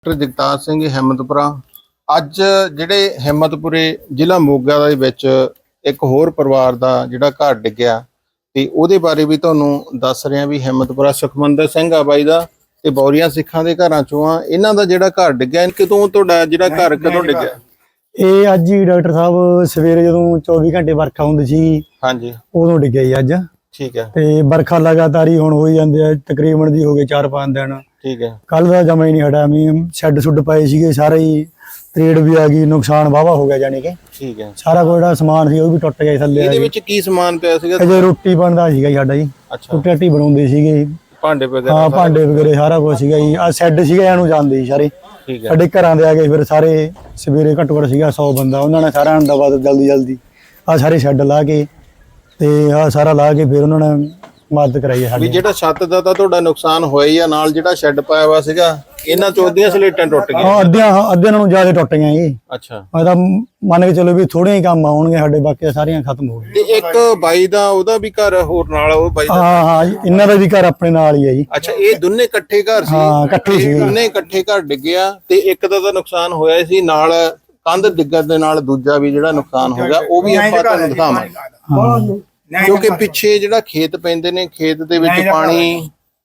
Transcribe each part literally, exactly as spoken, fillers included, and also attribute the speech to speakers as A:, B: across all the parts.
A: Doctor Jagtar Singh Himmatpura. ਅੱਜ ਜਿਹੜੇ ਹਿੰਮਤਪੁਰੇ ਜ਼ਿਲ੍ਹਾ ਮੋਗਾ ਦੇ ਵਿੱਚ ਇੱਕ ਹੋਰ ਪਰਿਵਾਰ ਦਾ ਜਿਹੜਾ ਘਰ ਡਿੱਗਿਆ ਤੇ ਉਹਦੇ ਬਾਰੇ ਵੀ ਤੁਹਾਨੂੰ ਦੱਸ ਰਿਹਾ ਵੀ ਹਿੰਮਤਪੁਰਾ ਸੁਖਮੰਦਰ ਸਿੰਘ ਆ ਬਾਈ ਦਾ ਤੇ ਬੌਰੀਆਂ ਸਿੱਖਾਂ ਦੇ ਘਰਾਂ ਚੋਂ ਆ। ਇਹਨਾਂ ਦਾ ਜਿਹੜਾ ਘਰ ਡਿੱਗਿਆ, ਕਿਦੋਂ ਤੁਹਾਡਾ ਜਿਹੜਾ ਘਰ ਕਦੋਂ ਡਿੱਗਿਆ?
B: ਇਹ ਅੱਜ ਹੀ ਡਾਕਟਰ ਸਾਹਿਬ ਸਵੇਰੇ ਜਦੋਂ ਚੌਵੀ ਘੰਟੇ ਵਰਖਾ ਹੁੰਦੀ ਸੀ ਹਾਂਜੀ ਉਦੋਂ ਡਿੱਗਿਆ ਜੀ ਅੱਜ।
A: ਠੀਕ ਹੈ।
B: ਤੇ ਵਰਖਾ ਲਗਾਤਾਰ ਹੀ ਹੁਣ ਹੋਈ ਜਾਂਦੇ ਆ, ਤਕਰੀਬਨ ਦੀ ਹੋ ਗਏ ਚਾਰ ਪੰਜ ਦਿਨ।
A: ਠੀਕ ਹੈ।
B: ਕੱਲ ਦਾ ਜਮਾ ਹੀ ਨਹੀਂ ਹਟਿਆ ਮੀਂਹ, ਸ਼ੈੱਡ ਸੁੱਡ ਪਏ ਸੀਗੇ ਸਾਰੇ ਹੀ, ਤਰੇੜ ਵੀ ਆ ਗਈ, ਨੁਕਸਾਨ ਵਾਵਾ ਹੋ ਗਿਆ ਜਾਨੀ ਕਿ।
A: ਠੀਕ ਹੈ।
B: ਸਾਰਾ ਕੋਈ ਜਿਹੜਾ ਸਮਾਨ ਸੀ ਉਹ ਵੀ ਟੁੱਟ ਗਿਆ ਥੱਲੇ।
A: ਇਹਦੇ ਵਿੱਚ ਕੀ ਸਮਾਨ ਪਿਆ ਸੀਗਾ?
B: ਅਜੇ ਰੋਟੀ ਬਣਦਾ ਸੀਗਾ ਜੀ ਸਾਡਾ ਜੀ।
A: ਅੱਛਾ।
B: ਰੋਟੀ ਰਾਟੀ ਬਣਾਉਂਦੇ ਸੀਗੇ,
A: ਭਾਂਡੇ ਵਗੈਰਾ?
B: ਹਾਂ ਭਾਂਡੇ ਵਗੈਰੇ ਸਾਰਾ ਕੁਝ ਸੀਗਾ ਜੀ। ਆ ਸ਼ੈੱਡ ਸੀਗਾ ਇਹਨੂੰ ਜਾਂਦੇ ਸੀ ਸਾਰੇ।
A: ਠੀਕ ਹੈ।
B: ਸਾਡੇ ਘਰਾਂ ਦੇ ਆ ਗਏ ਫਿਰ ਸਾਰੇ ਸਵੇਰੇ ਘੱਟੋ ਘੱਟ ਸੀਗਾ ਸੌ ਬੰਦਾ, ਉਹਨਾਂ ਨੇ ਸਾਰਿਆਂ ਨੂੰ ਦਵਾ ਜਲਦੀ ਜਲਦੀ ਆ ਸਾਰੇ ਸ਼ੈੱਡ ਲਾ ਕੇ ਤੇ ਆ ਸਾਰਾ ਲਾ ਕੇ ਫਿਰ ਉਹਨਾਂ ਨੇ ਮਦਦ ਕਰਾਈ ਸਾਡੀ।
A: ਜਿਹੜਾ ਛੱਤ ਦਾ ਤਾਂ ਤੁਹਾਡਾ ਨੁਕਸਾਨ ਹੋਇਆ ਹੀ ਆ, ਨਾਲ ਜਿਹੜਾ ਸ਼ੈੱਡ ਪਾਇਆ ਵਾ ਸੀਗਾ ਇਹਨਾਂ ਚੋਂ ਅੱਧੀਆਂ ਸਲੇਟਾਂ ਟੁੱਟ ਗਈਆਂ?
B: ਹਾਂ ਅੱਧਿਆਂ ਅੱਧਿਆਂ ਨਾਲੋਂ ਜ਼ਿਆਦਾ ਟੁੱਟ ਗਈਆਂ ਜੀ।
A: ਅੱਛਾ।
B: ਮੈਂ ਤਾਂ ਮੰਨ ਕੇ ਚਲੋ ਵੀ ਥੋੜੇ ਹੀ ਕੰਮ ਆਉਣਗੇ ਸਾਡੇ, ਬਾਕੀ ਸਾਰੀਆਂ ਖਤਮ ਹੋ ਗਈਆਂ।
A: ਤੇ ਇੱਕ ਬਾਈ ਦਾ ਉਹਦਾ ਵੀ ਘਰ ਹੋਰ ਨਾਲ, ਉਹ ਬਾਈ ਦਾ?
B: ਹਾਂ ਹਾਂ ਇਹਨਾਂ ਦਾ ਵੀ ਘਰ ਆਪਣੇ ਨਾਲ ਹੀ ਹੈ ਜੀ।
A: ਅੱਛਾ, ਇਹ ਦੋਨੇ ਇਕੱਠੇ ਘਰ ਸੀ?
B: ਹਾਂ ਇਕੱਠੇ ਸੀ।
A: ਦੋਨੇ ਇਕੱਠੇ ਘਰ ਡਿੱਗਿਆ ਤੇ ਇੱਕ ਦਾ ਤਾਂ ਨੁਕਸਾਨ ਹੋਇਆ ਸੀ, ਨਾਲ ਕੰਧ ਡਿੱਗਣ ਦੇ ਨਾਲ ਦੂਜਾ ਵੀ ਜਿਹੜਾ ਨੁਕਸਾਨ ਹੋ ਗਿਆ ਉਹ ਵੀ ਆਪਾਂ ਤੁਹਾਨੂੰ ਦਿਖਾਵਾਂਗੇ। ਕਿਉਂਕਿ ਪਿੱਛੇ ਜਿਹੜਾ ਖੇਤ ਪੈਂਦੇ ਨੇ, ਖੇਤ ਦੇ ਵਿੱਚ ਪਾਣੀ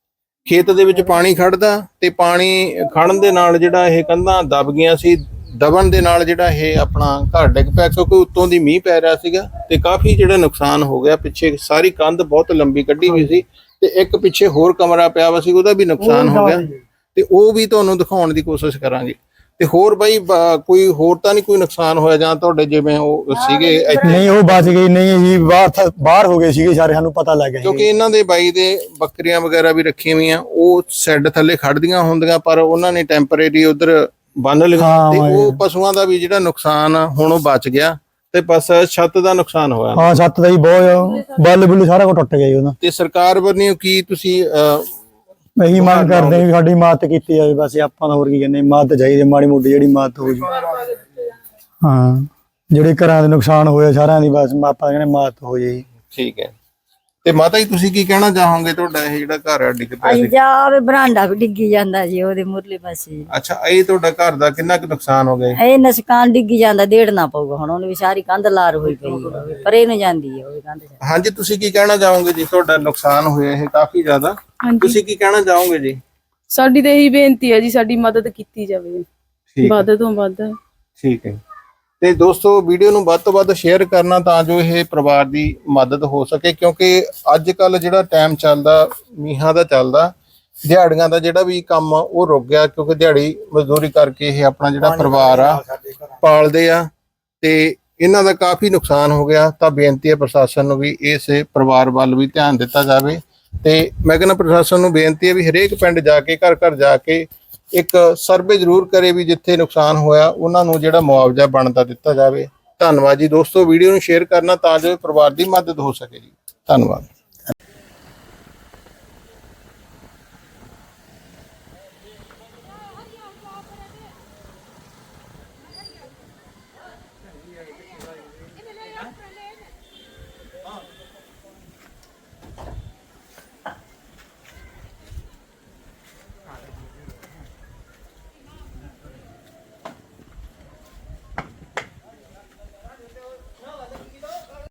A: ਖੇਤ ਦੇ ਵਿੱਚ ਪਾਣੀ ਖੜਦਾ ਤੇ ਪਾਣੀ ਖੜਨ ਦੇ ਨਾਲ ਜਿਹੜਾ ਇਹ ਕੰਧਾਂ ਦਬ ਗਈਆਂ ਸੀ। ਦਬਣ ਦੇ ਨਾਲ ਜਿਹੜਾ ਇਹ ਆਪਣਾ ਘਰ ਡਿੱਗ ਪਿਆ, ਕਿਉਂਕਿ ਉੱਤੋਂ ਦੀ ਮੀਂਹ ਪੈ ਰਿਹਾ ਸੀਗਾ ਤੇ ਕਾਫੀ ਜਿਹੜਾ ਨੁਕਸਾਨ ਹੋ ਗਿਆ। ਪਿੱਛੇ ਸਾਰੀ ਕੰਧ ਬਹੁਤ ਲੰਬੀ ਕੱਢੀ ਹੋਈ ਸੀ ਤੇ ਇੱਕ ਪਿੱਛੇ ਹੋਰ ਕਮਰਾ ਪਿਆ ਵਾ ਸੀ, ਉਹਦਾ ਵੀ ਨੁਕਸਾਨ ਹੋ ਗਿਆ ਤੇ ਉਹ ਵੀ ਤੁਹਾਨੂੰ ਦਿਖਾਉਣ ਦੀ ਕੋਸ਼ਿਸ਼ ਕਰਾਂਗੇ। ਤੇ ਹੋਰ ਬਾਈ ਕੋਈ ਹੋਰ ਤਾਂ ਨਹੀਂ ਕੋਈ ਨੁਕਸਾਨ ਹੋਇਆ ਜਾਂ ਤੁਹਾਡੇ ਜਿਵੇਂ ਉਹ ਸੀਗੇ ਇੱਥੇ?
B: ਨਹੀਂ ਉਹ ਬਚ ਗਈ ਨਹੀਂ ਜੀ, ਬਾਹਰ ਬਾਹਰ ਹੋ ਗਏ ਸੀਗੇ ਸਾਰੇ, ਸਾਨੂੰ ਪਤਾ ਲੱਗ ਗਿਆ।
A: ਕਿਉਂਕਿ ਇਹਨਾਂ ਦੇ ਬਾਈ ਦੇ ਬੱਕਰੀਆਂ ਵਗੈਰਾ ਵੀ ਰੱਖੀਆਂ ਹੋਈਆਂ, ਉਹ ਸ਼ੈੱਡ ਥੱਲੇ ਖੜਦੀਆਂ ਹੁੰਦੀਆਂ ਪਰ ਉਹਨਾਂ ਨੇ ਟੈਂਪਰੇਰੀ ਉਧਰ ਬੰਨ ਲਿਆ ਤੇ ਉਹ ਪਸ਼ੂਆਂ ਦਾ ਵੀ ਜਿਹੜਾ ਨੁਕਸਾਨ ਹੁਣ ਉਹ ਬਚ ਗਿਆ ਤੇ ਬਸ ਛੱਤ ਦਾ ਨੁਕਸਾਨ ਹੋਇਆ।
B: ਹਾਂ ਛੱਤ ਦਾ ਹੀ ਬਹੁਤ ਬੱਲ ਬੁੱਲ ਸਾਰਾ ਕੁਝ ਟੁੱਟ ਗਿਆ ਜੀ ਉਹਦਾ।
A: ਤੇ ਸਰਕਾਰ ਵੱਲੋਂ ਕੀ ਤੁਸੀਂ
B: ਇਹੀ ਮੰਗ ਕਰਦੇ ਵੀ ਸਾਡੀ ਮਦਦ ਕੀਤੀ ਜਾਵੇ, ਬਸ ਆਪਾਂ ਤਾਂ ਹੋਰ ਕੀ ਕਹਿੰਦੇ, ਮਦਦ ਚਾਹੀਦੀ ਮਾੜੀ ਮੋਟੀ ਜਿਹੜੀ ਮਦਦ ਹੋ ਜੀ। ਹਾਂ ਜਿਹੜੇ ਘਰਾਂ ਦੇ ਨੁਕਸਾਨ ਹੋਏ ਸਾਰਿਆਂ ਦੀ ਬਸ ਆਪਾਂ ਕਹਿੰਦੇ ਮਦਦ ਹੋ ਜਾਏ।
A: ਠੀਕ ਹੈ। ਤੇ ਮਾਤਾ ਜੀ ਤੁਸੀਂ ਕੀ ਕਹਿਣਾ ਚਾਹੋਗੇ? ਤੁਹਾਡਾ ਇਹ ਜਿਹੜਾ ਘਰ ਡਿੱਗ ਪਿਆ ਸੀ?
C: ਜਾ ਬਰਾਂਡਾ ਵੀ ਡਿੱਗੀ ਜਾਂਦਾ ਜੀ ਉਹਦੇ ਮੁਰਲੇ ਪਾਸੇ।
A: ਅੱਛਾ, ਇਹ ਤੁਹਾਡਾ ਘਰ ਦਾ ਕਿੰਨਾ ਕੁ ਨੁਕਸਾਨ ਹੋ ਗਿਆ?
C: ਇਹ ਨਸਕਾਨ ਡਿੱਗੀ ਜਾਂਦਾ, ਦੇੜਨਾ ਪਊਗਾ ਹੁਣ। ਉਹਨੇ ਵੀ ਸਾਰੀ ਕੰਧ ਲਾਰ ਹੋਈ ਪਈ, ਪਰੇ ਨੂੰ ਜਾਂਦੀ ਹੈ ਉਹ ਕੰਧ।
A: ਹਾਂਜੀ, ਤੁਸੀਂ ਕੀ ਕਹਿਣਾ ਚਾਹੋਗੇ ਜੀ? ਤੁਹਾਡਾ ਨੁਕਸਾਨ ਹੋਇਆ ਇਹ ਕਾਫੀ ਜ਼ਿਆਦਾ, ਤੁਸੀਂ ਕੀ ਕਹਿਣਾ ਚਾਹੋਗੇ ਜੀ?
D: ਸਾਡੀ ਤਾਂ ਇਹੀ ਬੇਨਤੀ ਹੈ ਜੀ, ਸਾਡੀ ਮਦਦ ਕੀਤੀ ਜਾਵੇ ਵੱਧ ਤੋਂ ਵੱਧ।
A: ਠੀਕ ਹੈ। ਤੇ ਦੋਸਤੋ ਵੀਡੀਓ ਨੂੰ ਵੱਧ ਤੋਂ ਵੱਧ ਸ਼ੇਅਰ ਕਰਨਾ ਤਾਂ ਜੋ ਇਹ ਪਰਿਵਾਰ ਦੀ ਮਦਦ ਹੋ ਸਕੇ, ਕਿਉਂਕਿ ਅੱਜ ਕੱਲ ਜਿਹੜਾ ਟਾਈਮ ਚੱਲਦਾ ਮੀਂਹਾਂ ਦਾ ਚੱਲਦਾ, ਦਿਹਾੜੀਆਂ ਦਾ ਜਿਹੜਾ ਵੀ ਕੰਮ ਉਹ ਰੁਕ ਗਿਆ, ਕਿਉਂਕਿ ਦਿਹਾੜੀ ਮਜ਼ਦੂਰੀ ਕਰਕੇ ਇਹ ਆਪਣਾ ਜਿਹੜਾ ਪਰਿਵਾਰ ਆ ਪਾਲਦੇ ਆ ਤੇ ਇਹਨਾਂ ਦਾ ਕਾਫੀ ਨੁਕਸਾਨ ਹੋ ਗਿਆ। ਤਾਂ ਬੇਨਤੀ ਹੈ ਪ੍ਰਸ਼ਾਸਨ ਨੂੰ ਵੀ ਇਸ ਪਰਿਵਾਰ ਵੱਲ ਵੀ ਧਿਆਨ ਦਿੱਤਾ ਜਾਵੇ ਤੇ ਮੈਂ ਕਹਿੰਦਾ ਪ੍ਰਸ਼ਾਸਨ ਨੂੰ ਬੇਨਤੀ ਹੈ ਵੀ ਹਰੇਕ ਪਿੰਡ ਜਾ ਕੇ ਘਰ ਘਰ ਜਾ ਕੇ ਇੱਕ ਸਰਵੇ ਜ਼ਰੂਰ ਕਰੇ ਵੀ ਜਿੱਥੇ ਨੁਕਸਾਨ ਹੋਇਆ ਉਹਨਾਂ ਨੂੰ ਜਿਹੜਾ ਮੁਆਵਜ਼ਾ ਬਣਦਾ ਦਿੱਤਾ ਜਾਵੇ। ਧੰਨਵਾਦ ਜੀ ਦੋਸਤੋ, ਵੀਡੀਓ ਨੂੰ ਸ਼ੇਅਰ ਕਰਨਾ ਤਾਂ ਜੋ ਪਰਿਵਾਰ ਦੀ ਮਦਦ ਹੋ ਸਕੇ ਜੀ। ਧੰਨਵਾਦ।